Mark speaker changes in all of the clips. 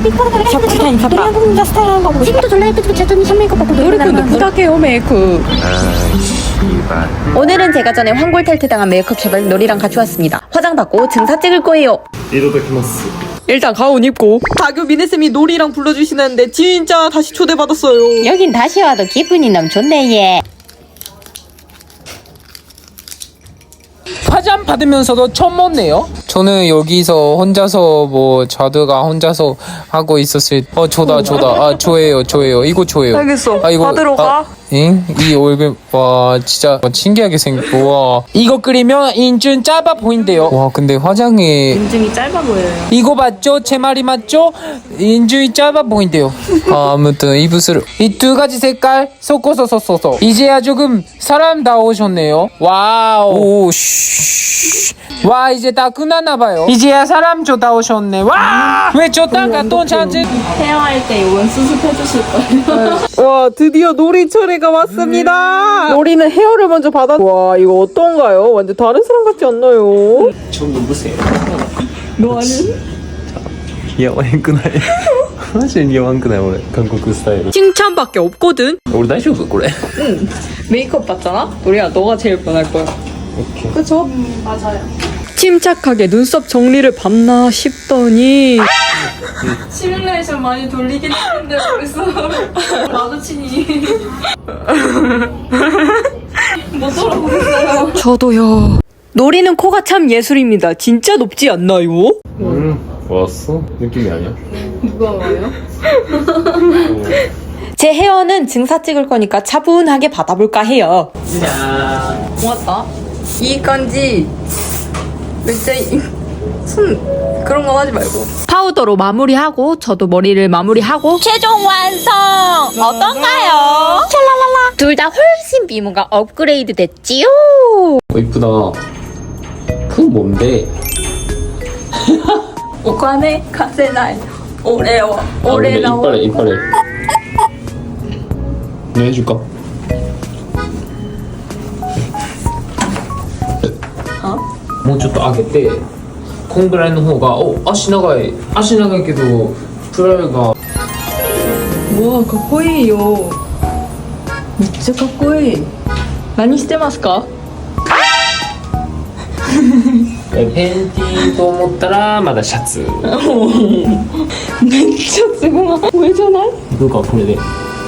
Speaker 1: 오늘은 제가 전에 황골 탈퇴당한 메이크업샵을 놀이랑 같이 왔습니다. 화장 받고 증사 찍을 거예요.
Speaker 2: 일단 가운 입고 다교 미네쌤이 놀이랑 불러주시는데 진짜 다시 초대받았어요.
Speaker 1: 여긴 다시 와도 기분이 너무 좋네 예.
Speaker 3: 화장 받으면서도 처음 먹네요. 저는 여기서 혼자서 뭐 자두가 혼자서 하고 있었을 저다 저예요 이거 저예요.
Speaker 2: 알겠어.
Speaker 3: 이거
Speaker 2: 받으러 가.
Speaker 3: 응? 이 얼굴 와 진짜 신기하게 생겼고 와 이거 끓이면 인중 짧아 보인대요. 와 근데 화장이
Speaker 2: 인중이 짧아 보여요.
Speaker 3: 이거 맞죠? 제 말이 맞죠? 인중이 짧아 보인대요. 아무튼 입술 이 두 가지 색깔 섞어서 썼어서 이제야 조금 사람다우셨네요. 와우 와 이제 다 끝났나봐요. 이제야 사람다우셨네. 와 왜 저 땅가 또 찾지?
Speaker 4: 헤어할 때 이건 수습해주실 거예요.
Speaker 2: 와 드디어 놀이 차례가 왔습니다. 놀이는 헤어를 먼저 받아. 와 이거 어떤가요? 완전 다른 사람 같지 않나요?
Speaker 3: 좀 누구세요?
Speaker 4: 너는?
Speaker 5: いや、悪くない。マジで似合わんくない俺、韓国スタイル。
Speaker 2: 칭찬밖에 없거든.
Speaker 5: 俺大丈夫これ。
Speaker 4: 메이크업 받잖아? 우리야 너가 제일 변할 거야.
Speaker 5: 오케이.
Speaker 4: 그쵸? 맞아요.
Speaker 2: 침착하게 눈썹 정리를 받나 싶더니
Speaker 4: 시뮬레이션 많이 돌리긴 했는데 벌써 마주치니 못 돌아보겠어요.
Speaker 2: 저도요. 놀이는 코가 참 예술입니다. 진짜 높지 않나요?
Speaker 5: 왔어? 느낌이 아니야?
Speaker 4: 누가 와요?
Speaker 2: 제 헤어는 증사 찍을 거니까 차분하게 받아볼까 해요.
Speaker 4: 고맙다. 이 건지 진짜 손 그런 건 하지 말고.
Speaker 2: 파우더로 마무리하고 저도 머리를 마무리하고
Speaker 1: 최종 완성! 어떤가요? 샬랄랄라 둘 다 훨씬 미모가 업그레이드 됐지요.
Speaker 5: 이쁘다. 그건 뭔데?
Speaker 4: お金貸せない俺は
Speaker 5: 근데 이빨에. 내가 해줄까?もうちょっと上げてこんぐらいの方が足長いけどプライが
Speaker 4: 와かっこいいよめっちゃかっこいい何してますか
Speaker 5: ペンティーと思ったらまだシャツ
Speaker 4: めっちゃすごい上じゃない
Speaker 5: どうかこれで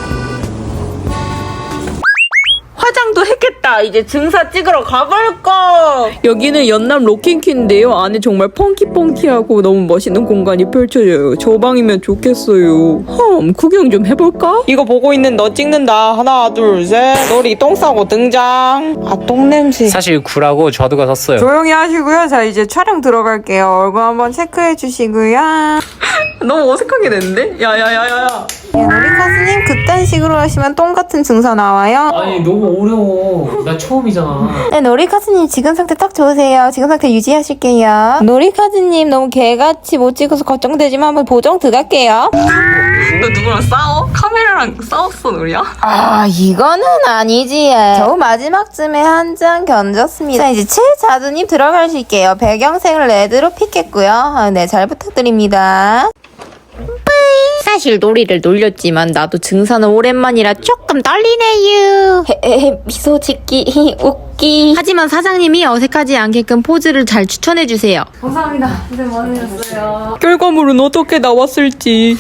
Speaker 2: 화장도 했겠다. 이제 증사 찍으러 가볼까. 여기는 연남 로킹키인데요. 안에 정말 펑키펑키하고 너무 멋있는 공간이 펼쳐져요. 저 방이면 좋겠어요. 구경 좀 해볼까? 이거 보고 있는 너 찍는다. 하나 둘 셋. 놀이 똥 싸고 등장. 똥냄새.
Speaker 3: 사실 구라고 자두가 샀어요.
Speaker 2: 조용히 하시고요. 자 이제 촬영 들어갈게요. 얼굴 한번 체크해 주시고요. 너무 어색하게 됐는데? 야야야야야. 놀이 가수님 그딴 식으로 하시면 똥 같은 증사 나와요.
Speaker 5: 아니 너무 어려워 나 처음이잖아
Speaker 1: 네, 놀이카즈님 지금 상태 딱 좋으세요. 지금 상태 유지하실게요. 놀이카즈님 너무 개같이 못 찍어서 걱정되지만 한번 보정 들어갈게요.
Speaker 2: 너 누구랑 싸워? 카메라랑 싸웠어 놀이야?
Speaker 1: 아 이거는 아니지. 겨우 마지막쯤에 한 장 견졌습니다. 자 이제 최자두님 들어가실게요. 배경색을 레드로 픽했고요. 네 잘 부탁드립니다. 사실 놀이를 놀렸지만 나도 증사는 오랜만이라 조금 떨리네요. 미소 짓기 웃기. 하지만 사장님이 어색하지 않게끔 포즈를 잘 추천해주세요.
Speaker 4: 감사합니다. 고생 많으셨어요.
Speaker 2: 결과물은 어떻게 나왔을지.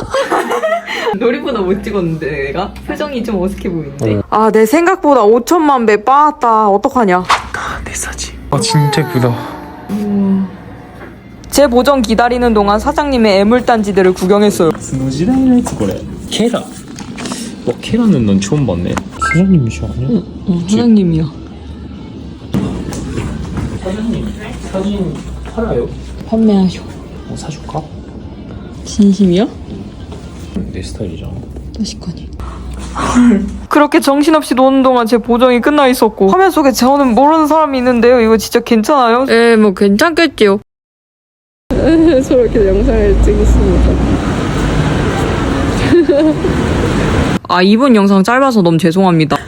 Speaker 2: 놀이보다 못 찍었는데 내가? 표정이 좀 어색해 보이는데. 아 내 생각보다 5천만 배 빠았다. 어떡하냐.
Speaker 5: 내 사진
Speaker 3: 진짜 예쁘다.
Speaker 2: 제 보정 기다리는 동안 사장님의 애물단지들을 구경했어요.
Speaker 5: その時代のやつこれケラケ라는 넌 처음 봤네 사장님이셔 아니야?
Speaker 2: 사장님이야.
Speaker 5: 사진 팔아요?
Speaker 2: 판매하셔.
Speaker 5: 사줄까?
Speaker 2: 진심이야?
Speaker 5: 내 스타일이잖아
Speaker 2: 다시거니. 그렇게 정신없이 노는 동안 제 보정이 끝나 있었고 화면 속에 저는 모르는 사람이 있는데요. 이거 진짜 괜찮아요? 예, 뭐 괜찮겠지요.
Speaker 4: 저렇게 영상을 찍었습니다.
Speaker 2: 아 이번 영상 짧아서 너무 죄송합니다.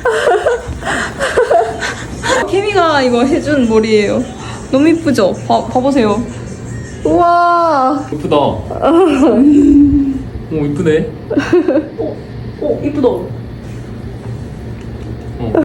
Speaker 4: 케미가 이거 해준 머리예요. 너무 이쁘죠? 봐보세요.
Speaker 1: 우와.
Speaker 5: 이쁘다. 오 이쁘네.
Speaker 2: 이쁘다.